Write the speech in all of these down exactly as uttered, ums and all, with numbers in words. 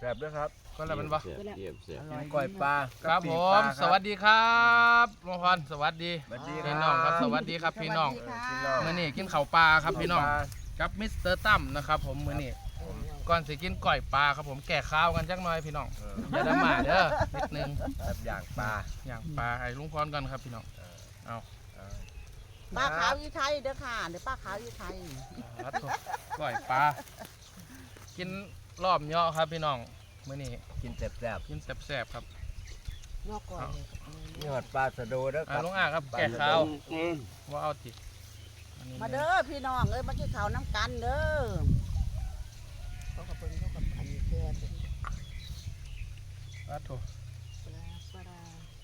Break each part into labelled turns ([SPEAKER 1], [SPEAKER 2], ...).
[SPEAKER 1] ซ่บด้วยครับ
[SPEAKER 2] ก็แล้วมันบ่
[SPEAKER 1] กินก้อยปลา
[SPEAKER 2] ครับผมสวัสดีครับลุงพรสวัสดีพี่น้องครับสวัสดีครับพี่น้องมื้อนี้กินข้าวปลาครับพี่น้องกับมิสเตอร์ตั้มนะครับผมมื้อนี้ก่อนสิกินก้อยปลาครับผมแก่ข้าวกันจักหน่อยพี่น้องอย่าดราม่าเด้อนิดนึง
[SPEAKER 1] แบบอย่างปลา
[SPEAKER 2] อย่างปลาให้ลุงพรก่อนครับพี่น้องเอา
[SPEAKER 3] ป้าขาวยี่ไทยเด้อค่ะเดี๋ยวป้าขาวยี่ไทย
[SPEAKER 2] ครับก้อยปลากินรอบเยอะครับพี่น้องมื้อนี้
[SPEAKER 1] กินแซ่บ
[SPEAKER 2] กินแซ่บๆครับ
[SPEAKER 3] นอกก่อน
[SPEAKER 1] ๆนี่หอดปลาสะโดด้วยค
[SPEAKER 2] อ่า
[SPEAKER 1] รับ
[SPEAKER 2] ลุงอาครับแก่ข้าวว่าเอาติอันนี้
[SPEAKER 3] มาเด้อพี่น้องเอ้ยมากินข้าวน้ำกันเด้อเขากับเพิ่นเขากับอันนี้แก่เป็น
[SPEAKER 2] ครับถูก
[SPEAKER 3] ปลาปลา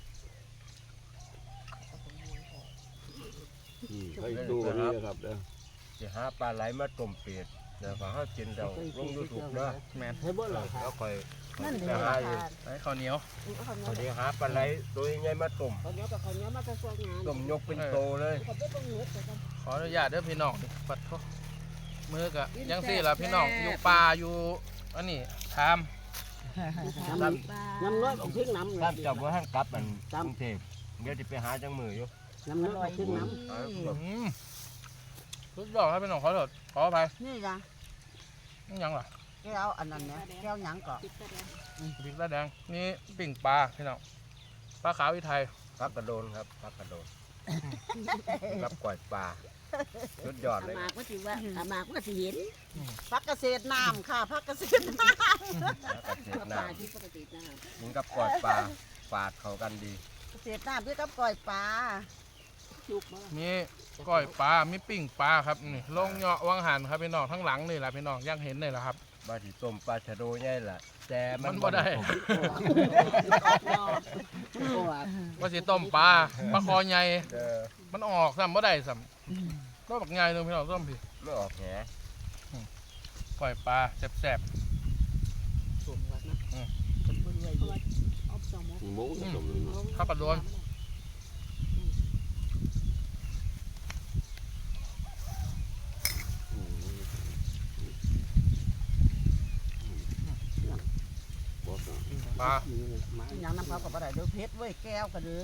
[SPEAKER 3] เอาไปม้วนก่อน
[SPEAKER 4] ให้ดูกันนี่นะครับเด้อ
[SPEAKER 1] จะหาปลาไหลมาต้มเป็ดเดี๋ยวเขากินเดี๋ยวลงยูทูบเนาะ
[SPEAKER 2] แมน
[SPEAKER 3] ให้บ่หรอค่ะ
[SPEAKER 1] แล้วค่อย
[SPEAKER 3] นั่น
[SPEAKER 1] ไป
[SPEAKER 3] เด้อ
[SPEAKER 1] หา
[SPEAKER 3] ค่ะ
[SPEAKER 2] ไอ้ข้าวเหนียว
[SPEAKER 3] เขา
[SPEAKER 1] พอ
[SPEAKER 3] เนี้
[SPEAKER 1] ดี
[SPEAKER 3] ย
[SPEAKER 1] หาปลาไหลตัวใหญ่มาต้ม
[SPEAKER 3] เขาเนี้ยกับเขาเนี้ยมาจะช่วยงาน
[SPEAKER 1] ต้มยกเป็นโตเลย
[SPEAKER 3] เขาไม่ต้องเนื้อแต่กัน
[SPEAKER 2] ขออนุญาตเด้อพี่น้องปัดเขามือกะยังสี่ละพี่น้องอยู่ป่าอยู่อันนี้ทาม
[SPEAKER 3] น้ำน้ำน้อยของทิ้งน้ำ
[SPEAKER 1] ถ้าจับว่าห้างกลับมันกรุงเทพเดี๋ยวจะไปหาจังมืออยู่
[SPEAKER 3] น้ำน้อยของทิ้งน้
[SPEAKER 2] อืมสุดยอดครับพี่น้องขอโทษขออภัย
[SPEAKER 3] ำนี่จ้ะ
[SPEAKER 2] นี่ยังล่ะ
[SPEAKER 3] แก้วอันนั้นเนี่ยแก้วหยังก่อน
[SPEAKER 2] พริกตาแดงนี่ปิ่งปลาพี่น้องปลาขาวอีไทย
[SPEAKER 1] พักกระโดนครับพักกระโดนกับก้อยปลาสุดยอดเลย
[SPEAKER 5] มากก็สิว่าอามากก็สิเห็น
[SPEAKER 3] พักเกษตรน้ำค่ะพักเกษตรน้
[SPEAKER 1] พักกระเทียม
[SPEAKER 5] ป
[SPEAKER 1] น้
[SPEAKER 5] ลาที่ปกตินะ
[SPEAKER 1] ำกินกับก้อยปลาฝาดเข้ากันดี
[SPEAKER 3] ำเกษตรน้ำพี่กับก่อยปลา
[SPEAKER 5] จุกบ่
[SPEAKER 2] มีก้อยปลามีปิ่งปลาครับนี่ลงเหยาะวังหันครับพี่น้องทั้งหลังนี่แหละพี่น้องยังเห็นเลยละครับ
[SPEAKER 1] บาที่ต้มปลาชะโดใหญ่ล่ะแต่มั
[SPEAKER 2] มัน นบ่ได้
[SPEAKER 5] ตัว
[SPEAKER 2] ว่าสิต้มปลาปลาคอใหญ่
[SPEAKER 1] เออ
[SPEAKER 2] มันออกซ้ำบ่ได้ซ้ำก็บักใหญ่เลยพี่น้องส้มพี่
[SPEAKER 1] ไม่ออกแห
[SPEAKER 2] ก้อยปลาแซ่บ
[SPEAKER 5] สูงวัดนะคนบ่รวยอยู่เอาสองโมง
[SPEAKER 4] หมูผสมเลยเนาะ
[SPEAKER 2] ๆข้าวปลาโดน
[SPEAKER 4] อืมบอกว่า
[SPEAKER 2] ปลา
[SPEAKER 3] หยังน้ำเขากับอะไรเด้อเพชรเว้ยแก้วกันเลย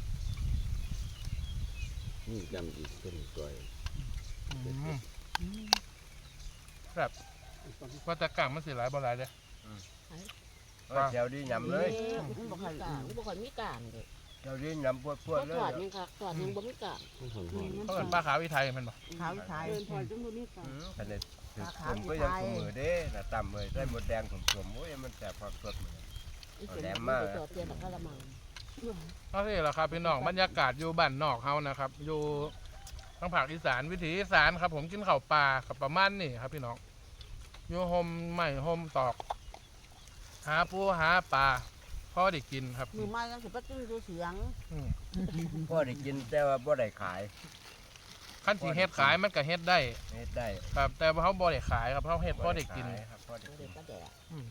[SPEAKER 4] นี่จำอีกเป็นก้อย
[SPEAKER 2] อืมแบบว่าแต่กลางมันสิหลายบ่หลายเด้อ
[SPEAKER 1] เออแถวดียำเลย
[SPEAKER 5] มันบ่ค่อยกลางบ่ค่อยมีกลางเลย
[SPEAKER 1] แถวดียำปวด
[SPEAKER 5] เพ
[SPEAKER 1] ๆ
[SPEAKER 5] ราะ
[SPEAKER 1] เล
[SPEAKER 5] ถอย ดยังค่ะถอดยังบ่มีกลาง
[SPEAKER 4] ต้องหอม
[SPEAKER 2] เขาเป็นปลาขาวอีไทยแมันบ่
[SPEAKER 3] ขาวอีไทย
[SPEAKER 5] เดินถอดจนบ่มีกลาง
[SPEAKER 1] อืมขนาดถึงผมก็ยังสมือเด้น่ะต่ำเลยได้หมดแดงผมสวมโอ้ยมันแสบความสดเหมือน
[SPEAKER 5] อีกคนบ่ได้จอดเตียนกะละมัง
[SPEAKER 2] ก็นี่แหละครับพี่น้องบรรยากาศอยู่บ้านนอกเฮานะครับ อยู่ทางภาคอีสานวิถีอีสานครับ ผมกินข้าวปลากับประมาณนี่ครับพี่น้องอยู่โฮมใหม่โฮมตอก หาปูหาปลาพอได้กินครับ
[SPEAKER 3] มือไม้ยังสิบกิ้งดูเสียง
[SPEAKER 2] อืม
[SPEAKER 1] พ่อได้กินแต่ว่าบ่ได้ขาย
[SPEAKER 2] ขั้นที่เฮ็ดขายมันก็เฮ็ดได้
[SPEAKER 1] เฮ็ดได้
[SPEAKER 2] ครับแต่ว่าเขาบ่ได้ขายครับเขาเฮ็ดพอได้กิน
[SPEAKER 1] ขายครับพ่อได้
[SPEAKER 5] บ่
[SPEAKER 1] กิ
[SPEAKER 5] ได้
[SPEAKER 1] น
[SPEAKER 5] ปลาแดก
[SPEAKER 2] อืม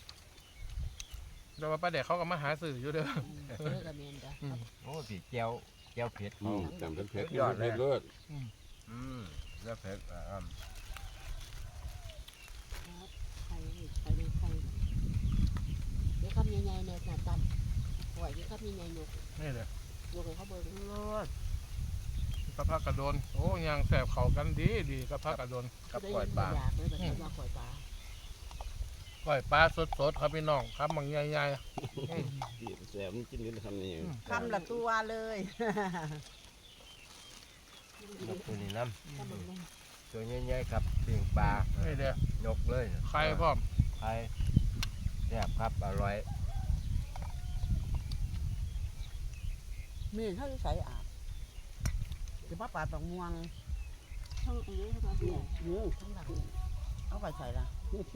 [SPEAKER 2] แต่ว่าป้าเด็กเขาก็มาหาสื่ออยู่เด้อ
[SPEAKER 5] เออก็แม่นจ้ะ
[SPEAKER 2] อืม
[SPEAKER 1] โอ้สีเจียวเจียวเผ็ด
[SPEAKER 4] อื
[SPEAKER 1] เขา
[SPEAKER 4] มจำเป็นเพชรเพชรเลิศ
[SPEAKER 1] อืมแล้วเผ็ดอ่า
[SPEAKER 5] ไข่ไข่ดูไข่เดี๋ยวคำใหญ่ๆเนี่ยน่ะตำปล่อยที่คำใหญ่ๆยก
[SPEAKER 2] นี่เลย
[SPEAKER 5] ยกให้เขาเบิ่ง
[SPEAKER 2] กระเพาะกระโดนโอ้ยังแสบเขากันดีดีกระเพาะกระโดน
[SPEAKER 1] กับก้อยปลา
[SPEAKER 5] อยากเลยแบบนี้ว่าปล่อยปลา
[SPEAKER 2] ก้อยปลาสดๆครับพี่น้องครับมันใหญ่ๆอืม
[SPEAKER 4] แสบมันกินกันทำยังไง
[SPEAKER 3] คำละตัวเลย
[SPEAKER 1] ครับตัวนี้น้
[SPEAKER 5] ถ้ามันมัน
[SPEAKER 1] ำตัวใหญ่ๆครับเปียงปลา
[SPEAKER 2] นี่เด้อย
[SPEAKER 1] กเลย
[SPEAKER 2] ไข่พร้อม
[SPEAKER 1] ไข่แซ่บครับอร่อย
[SPEAKER 3] มีเท่าที่ใส่อาบจะมาปลาตองม่วง
[SPEAKER 5] ทั้งอันนี้ทั้งอันนี้
[SPEAKER 3] ยืม
[SPEAKER 5] ทั้งหลัง
[SPEAKER 3] เอาไปใส่ละ
[SPEAKER 5] นี่คือ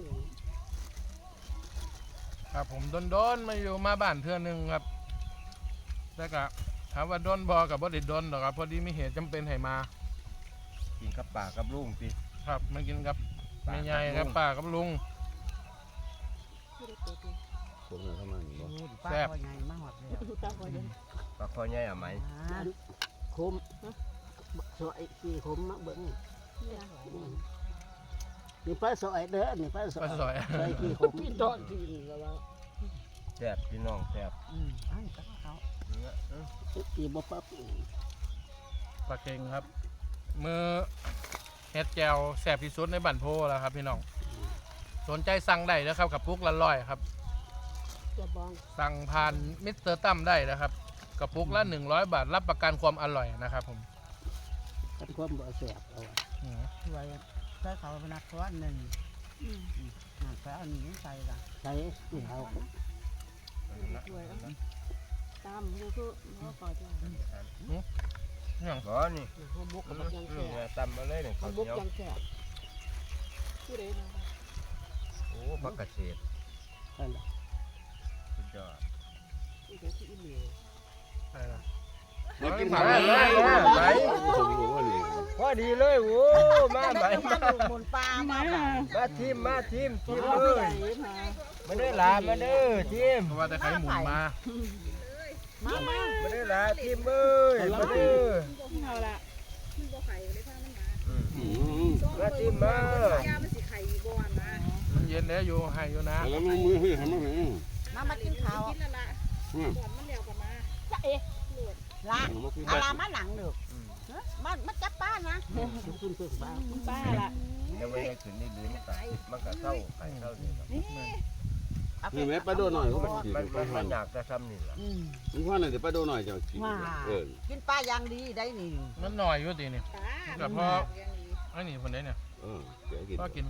[SPEAKER 2] ครับผมโดนๆมาอยู่มาบ้านเทื่อหนึงครับแต่ก็ถามว่าโดนบ่กับบ่ได้โดนหรอกครับพอดีมีเหตุจำเป็นให้มา
[SPEAKER 1] กินกับปลากับลุงพี่
[SPEAKER 2] ครับมากินกับแม่ใหญ่ครับป้ากับลุง
[SPEAKER 5] ไม่ได้เปิดเลย
[SPEAKER 4] ผมเข้ามาอย่างนี้
[SPEAKER 3] ปลาคอยไงมาหอดเลย
[SPEAKER 5] ดูตาคอยยัง
[SPEAKER 1] ปลาคอใหญ่อะไหม
[SPEAKER 5] คมสวยสี่คมมาเบิ่งนี่ปลาสอยเด้อนี่ปลาส
[SPEAKER 2] ปลาส
[SPEAKER 5] อ
[SPEAKER 2] อย ย
[SPEAKER 5] ใส่ขี้ขมพี่ตอนที่นี่แล้วว่า
[SPEAKER 1] แซ่บพี่น้องแซ่บ
[SPEAKER 3] อืมอันนี้ก็เขา
[SPEAKER 1] เนื้อเออ
[SPEAKER 5] ตีบ่ปั๊บ
[SPEAKER 2] ปลาเค็งครับ มือเฮ็ดแจวแสบที่สุดในบั่นโพแล้วครับพี่น้องสนใจสั่งได้นะครับกับปุกละร้อยครับ
[SPEAKER 5] จะบอง
[SPEAKER 2] สั่งผ่านมิสเตอร์ตั้มได้นะครับกระปุกละหนึ่งร้อยบาทรับประกันความอร่อยนะครับผม
[SPEAKER 5] กันความบ่แสบเอา
[SPEAKER 2] อืม
[SPEAKER 3] ช่วยใส่เขาเป็นนักสวนหนึ่ง
[SPEAKER 5] อืม
[SPEAKER 3] อ่าไปเอาหนีใส่ละ
[SPEAKER 5] ใส่ที่เฮาช่วยเอาตามก็คือบ่ก่อจ้ะ
[SPEAKER 2] เนี่ย
[SPEAKER 1] บ่นี่
[SPEAKER 5] เฮาบุกกับมันยัง
[SPEAKER 1] อื
[SPEAKER 5] แซ่
[SPEAKER 1] มเนี่ย
[SPEAKER 5] บ
[SPEAKER 1] ตำมาเลยเนี่ย
[SPEAKER 5] เฮา
[SPEAKER 1] ข้าว
[SPEAKER 5] บุก
[SPEAKER 1] เหนียว
[SPEAKER 5] ยังแซ่บผู้ใดนะ
[SPEAKER 1] โอ้ผักกระเฉด
[SPEAKER 5] นั่นล่ะ
[SPEAKER 1] สุดยอด
[SPEAKER 5] ผู้ใดที่อีเหลียว
[SPEAKER 2] อะไรล่ะ
[SPEAKER 4] มากิน
[SPEAKER 1] มา
[SPEAKER 4] ผัก
[SPEAKER 1] เล
[SPEAKER 4] เลย ย
[SPEAKER 1] มาไหม
[SPEAKER 4] ผมรู้ว่านี่
[SPEAKER 1] พอดีเลยโอ้มาไหม
[SPEAKER 3] ได้
[SPEAKER 1] มา
[SPEAKER 3] มาหมุนปลามาบ่
[SPEAKER 1] มาทีมมาทีมทีม
[SPEAKER 5] เอา
[SPEAKER 1] เล
[SPEAKER 5] ผู้ใด
[SPEAKER 1] ย
[SPEAKER 5] มา
[SPEAKER 1] มาเด้อหลามาเด้อทีม
[SPEAKER 2] เพราะว่าแต่ใครหมุนมา
[SPEAKER 3] มามา
[SPEAKER 1] มาเด้อหลาทีมเอ้ยมาเด้อ
[SPEAKER 5] เอาละ
[SPEAKER 1] อืม
[SPEAKER 4] อืม
[SPEAKER 1] มาทีมมา
[SPEAKER 2] มันเย็นแล้วอยู่ให้อยู่นะ
[SPEAKER 4] แล้วมันมือให้ทำอะไร
[SPEAKER 3] มามากินข้าว
[SPEAKER 4] อืม
[SPEAKER 3] จะเอ๊ะละ
[SPEAKER 4] มากิน
[SPEAKER 3] เอาลามาหลังเด้อเฮ้ยมามาจับป้านะ
[SPEAKER 5] คุณเพิ่งบ้า
[SPEAKER 3] ป้าละ
[SPEAKER 1] ยังไม่ได้ขึ้นนี่ดีมันก็มันก็เศร้าไข่เศร้านี่ครับ
[SPEAKER 4] นี่แม่ปลาโดหน่อยเขาไปกิน
[SPEAKER 1] มัน
[SPEAKER 4] ปลา
[SPEAKER 1] มัน
[SPEAKER 4] ทอ
[SPEAKER 1] มั
[SPEAKER 4] ด
[SPEAKER 1] นอยากจะทำนี่แหละ
[SPEAKER 3] อืม
[SPEAKER 4] มันว่าน่ะเดี๋ยวปลาโดหน่อยจะกินเออ
[SPEAKER 3] กินปลาอย่างดีได้นี่
[SPEAKER 2] มันหน่อยอยู่ดีนี่แต่พอไอ้นี่คนนี้เนี่ย
[SPEAKER 4] เออเดี๋ยวกิน
[SPEAKER 2] ก็กิน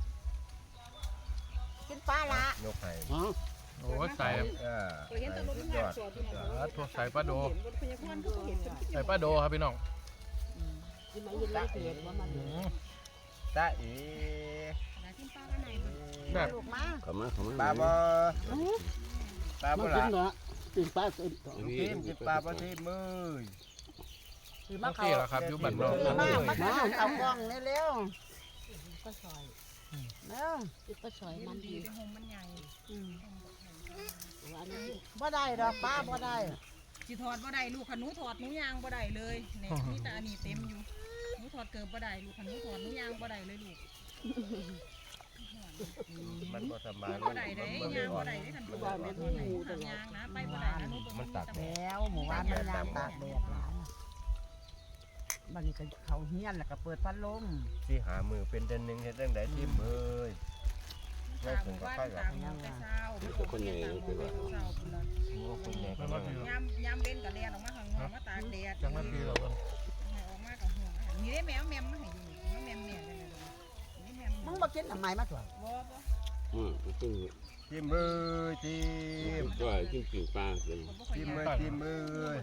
[SPEAKER 3] กินปลาละ
[SPEAKER 1] ยกไข่
[SPEAKER 5] อ๋อ
[SPEAKER 2] โอ้ใส่
[SPEAKER 1] เออไข่สุดยอดสุดยอด
[SPEAKER 2] ทั่วใส่ปลาโดใส่ปลาโดครับพี่น้อง
[SPEAKER 5] กินไหมยินแล้วเกลียดว่ามัน
[SPEAKER 2] อืม
[SPEAKER 1] ตาเอ๋
[SPEAKER 2] แบบ
[SPEAKER 3] ลูกมา
[SPEAKER 4] เข้ามาเข้ามา
[SPEAKER 1] ปลาบ่ปลา
[SPEAKER 5] มั
[SPEAKER 1] บ่
[SPEAKER 5] น
[SPEAKER 1] ล่ะ
[SPEAKER 5] กินเนาะกินปลาเต็มตัว
[SPEAKER 1] ทีมกินปลาบ่ทีมมือ
[SPEAKER 3] คือ
[SPEAKER 2] เมื่
[SPEAKER 3] มา
[SPEAKER 2] อ
[SPEAKER 3] เขา
[SPEAKER 2] กี้เหรอครับอยู่บั่นนอก
[SPEAKER 3] คือมามากินเอากล้องเร็ว
[SPEAKER 5] ก็ซอย
[SPEAKER 3] ๆเร็ว
[SPEAKER 5] กินก็ซอยมันดีอืมว่านี่
[SPEAKER 3] บ่ได้ดอกปลาบ่ได้
[SPEAKER 6] สิถอดบ่ได้ลูกขนูถอดหนูยางบ่ได้เลยเนี่ยมีแต่อันนี้เต็มอยู่หนูถอดเกิบบ่ได้ลูกขนูถอดหนูยางบ่ได้เลยลูก
[SPEAKER 1] มันบ่สบาย
[SPEAKER 6] บ่ได้เด้ยางบ่ได้เด้คันบ่ได้ถอดหนูถอดยางนะไปบ่ได้นะหนูบ่
[SPEAKER 1] มันตัก
[SPEAKER 3] แล้วหมู่บ้านมันยามตากแดดหลายบัดนี้ก็เขาเฮียนแล้วก็เปิดพัดลม
[SPEAKER 1] ที่หามือเป็นเดือนหนึงเฮ็ดจังได๋ทีมเอ้ย
[SPEAKER 6] ตากหมู่บ้านตากหมู่แต่เช้าคนใหญ่คือว่า
[SPEAKER 1] โอ้คนใหญ่ก็
[SPEAKER 2] จังห
[SPEAKER 1] มา
[SPEAKER 2] วัดที่
[SPEAKER 6] ยามยามเว้นก็แล่นออกมาข้างนอกมาตากแดด
[SPEAKER 2] จังหวัดที่เราเพิ่น
[SPEAKER 6] ให้ออกมากับห่วงนี่ได้แมวแมมมาให้อยู่นี่แมมแม่จังได๋นี่แมม
[SPEAKER 3] มึงบ่กินทำไมมาตัว
[SPEAKER 6] บ่บ่
[SPEAKER 4] อืมกิน
[SPEAKER 1] ทีมเอ้ยทีม
[SPEAKER 4] ก็กินกินปลากิน
[SPEAKER 6] บ่ค่อย
[SPEAKER 1] ทีม
[SPEAKER 6] ยา
[SPEAKER 1] เอ้ยทีมเอ้ย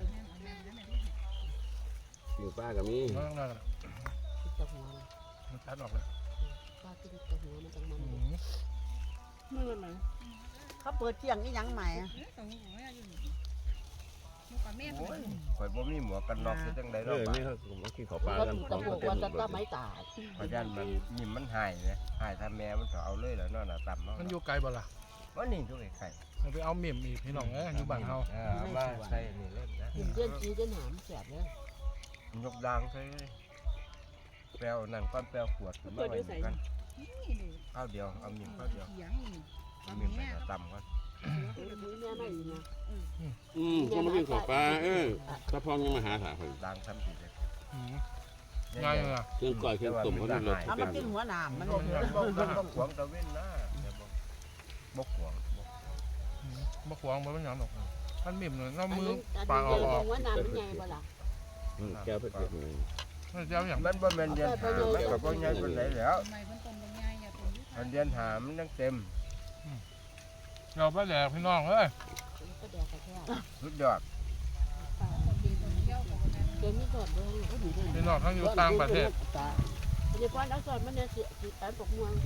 [SPEAKER 4] กินปลากับมี
[SPEAKER 2] มันต้องได้กัน
[SPEAKER 5] กินตะหัว
[SPEAKER 2] มันชัดออกเลย
[SPEAKER 5] ปลากินตะหัวมันจังมัน
[SPEAKER 2] อืม
[SPEAKER 5] เมื่อไหร่
[SPEAKER 3] เขาเปิดเที่ยงนี่ยังใหม่อะ
[SPEAKER 6] เออตรงนี้อยู่นี่ลูกกับแม่
[SPEAKER 1] โอ้ยข่อยบ่มีหมวกกันน็อกเฮ็ดจังได๋
[SPEAKER 4] เอ
[SPEAKER 1] เนาะ
[SPEAKER 4] อ
[SPEAKER 1] บ้า
[SPEAKER 4] นี่เขามากินข้าวปลา
[SPEAKER 5] ก็
[SPEAKER 4] กัน
[SPEAKER 5] ตะหัวว่าจะตะไม้ตา
[SPEAKER 1] เพราะฉะนั้นมันยิ้มมันหายนะหายถ้าแม่มันก็เอาเลยแล้วเนาะน่ะต่ำเนาะ
[SPEAKER 2] มันอยู่ไกลบ่ล่ะ
[SPEAKER 1] ว่านี่ทุกไข่
[SPEAKER 2] เราไปเอาเมิ่มอีกพี่น้องเอ้ยอยู่บ้านเฮา
[SPEAKER 1] เออเอามาใส่นี่เล่นนะ
[SPEAKER 5] กินเดือนจีเดือนหามแสบเลย
[SPEAKER 1] ยกดังใส่แปลวนั่นก้อนแปลวขวดขึ้นมาไว้นี่กัน
[SPEAKER 6] นี่ดู
[SPEAKER 1] ข้าวเดียวเอาหมิ่มข้าวเดียว
[SPEAKER 6] เถียงนี่
[SPEAKER 1] เอาหมิ่มไปหาต่ำก่อน
[SPEAKER 5] มือแม่ไม่ดีนะ
[SPEAKER 4] อืมก็มากินข้าวปลาเออถ้าพร้อมยังมาหาถาคน
[SPEAKER 1] ดังทำผิดเลย
[SPEAKER 2] อืมง่ายเลยอ่ะ
[SPEAKER 4] เครื่องก้อยเครื่องต้มเขาต้องรส
[SPEAKER 3] เอา
[SPEAKER 4] เป็
[SPEAKER 3] มาน กินหัวหนามมัน
[SPEAKER 1] บกบกบกขวงตะเว้นนะบกขวง
[SPEAKER 2] อืมบ่ขวางบ่เป็นหยังหรอกมันมิ่มเลยน้ำ
[SPEAKER 5] อัน
[SPEAKER 2] มือ
[SPEAKER 5] นี้อัน
[SPEAKER 2] ปลา
[SPEAKER 5] นี้
[SPEAKER 2] เอาออก
[SPEAKER 5] ว่าน้ำมันใหญ่บ่ล่ะ
[SPEAKER 4] แก้วเผ็ดๆหน่อย
[SPEAKER 2] มันจะเอาอย่าง
[SPEAKER 1] มันบ่แม่นเดือนหามันก็บ่ใหญ่ปานใดแล้ว
[SPEAKER 6] ทำไมเพิ่นต้มลงง่ายอย่าต้มยุท
[SPEAKER 1] มันเดือนหามันยังเต็ม
[SPEAKER 2] เราไปแดกพี่น้องเอ้ย
[SPEAKER 5] ก็แดกกระแทก
[SPEAKER 1] สุดยอด
[SPEAKER 6] กินเที่ยวกับแม่
[SPEAKER 5] เกมนี้สดเลย
[SPEAKER 2] พี่น้องทั้งอยู่ต่างประเทศ
[SPEAKER 5] เดี๋ยวก่อนเอาสดมันเนี่ยสิสิแปนปกม่วง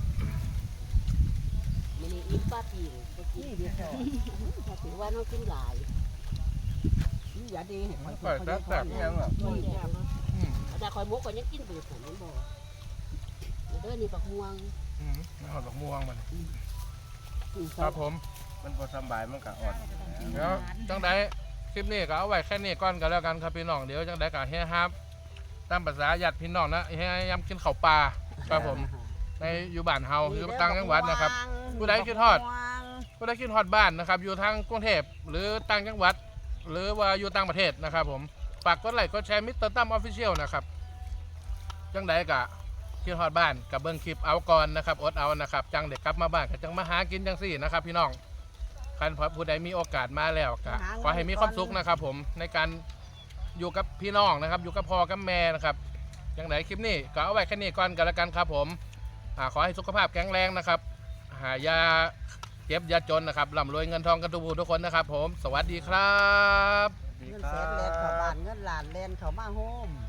[SPEAKER 5] มันนี่อิ่มป้าปีก็กิน
[SPEAKER 3] นี่เดียว
[SPEAKER 5] ถ้าถือว่าน้องกินหลาย
[SPEAKER 3] นี่อย่าดีเห็น
[SPEAKER 2] มันปล่อยแซ่บ
[SPEAKER 1] นี่ยังอ่ะ
[SPEAKER 5] นี่แซ่บ
[SPEAKER 2] ๆอืม
[SPEAKER 5] แต่คอยมุกก็ยังกินเบื่อผมนั่นบ่เด้อนี่ปักม่วง
[SPEAKER 2] อืมไม่หอดดอกม่วงมันครับผม
[SPEAKER 1] มันบ่สบายมันก็อ่อน
[SPEAKER 2] เดี๋ยวจังไดคลิปนี้ก็เอาไว้แค่นี้ก่อนกันแล้วกันครับพี่น้องเดี๋ยวจังไดก็เฮ้ครับตามภาษาญาติพี่น้องนะเฮ้ยำกินข้าวปลาครับผมในอยู่บ้านเฮาอยู่ต่างจังหวัดนะครับ ผู้ใดคิดฮอด ผู้ใดคิดฮอดบ้านนะครับอยู่ทางกรุงเทพหรือต่างจังหวัด หรือว่าอยู่ต่างประเทศนะครับผมฝากกดไลค์กดแชร์มิสเตอร์ตั้มออฟฟิเชียลนะครับจังใดกะคิดฮอดบ้านกับเบิ้งคลิปเอาก่อนนะครับอดเอานะครับจังเด็กกลับมาบ้านก็จังมาหากินจังสี่นะครับพี่น้องคันผู้ใดมีโอกาสมาแล้วก็ขอให้มีความสุขนะครับผมในการอยู่กับพี่น้องนะครับอยู่กับพ่อกับแม่นะครับจังใดคลิปนี้ก็เอาไว้แค่นี้ก่อนกันแล้วกันครับผมอ่าขอให้สุขภาพแข็งแรงนะครับหายาเจ็บยาจนนะครับร่ำรวยเงินทองกันทุกผู้ทุกคนนะครับผมสวัสดีครับ
[SPEAKER 3] เงินแสนแลนเข้าบ้านเงินล้านแลนเข้ามาโฮม